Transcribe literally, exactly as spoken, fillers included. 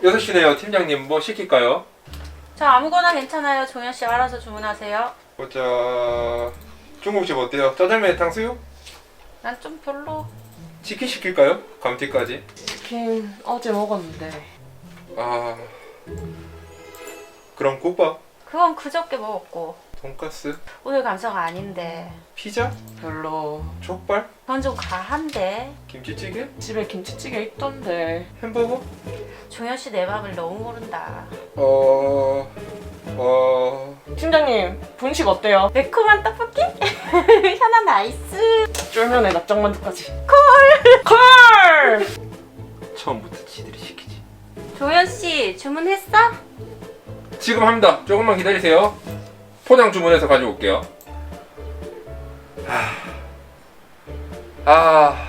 여섯 시네요. 팀장님 뭐 시킬까요? 저 아무거나 괜찮아요. 종현 씨 알아서 주문하세요. 보자. 중국집 어때요? 짜장면 탕수육? 난 좀 별로. 치킨 시킬까요? 감튀까지? 치킨 어제 먹었는데. 아... 그럼 국밥? 그건 그저께 먹었고 돈가스? 오늘 감사가 아닌데. 피자? 별로. 족발? 그건 좀 과한데. 김치찌개? 집에 김치찌개 있던데. 햄버거? 종현 씨 내 맘을 너무 모른다. 어... 어... 팀장님 분식 어때요? 매콤한 떡볶이? 현아 나이스. 쫄면에 납작만두까지. 콜! 콜! 처음부터 지들이 시키지. 종현 씨 주문했어? 지금 합니다. 조금만 기다리세요. 포장 주문해서 가져올게요. 아... 아...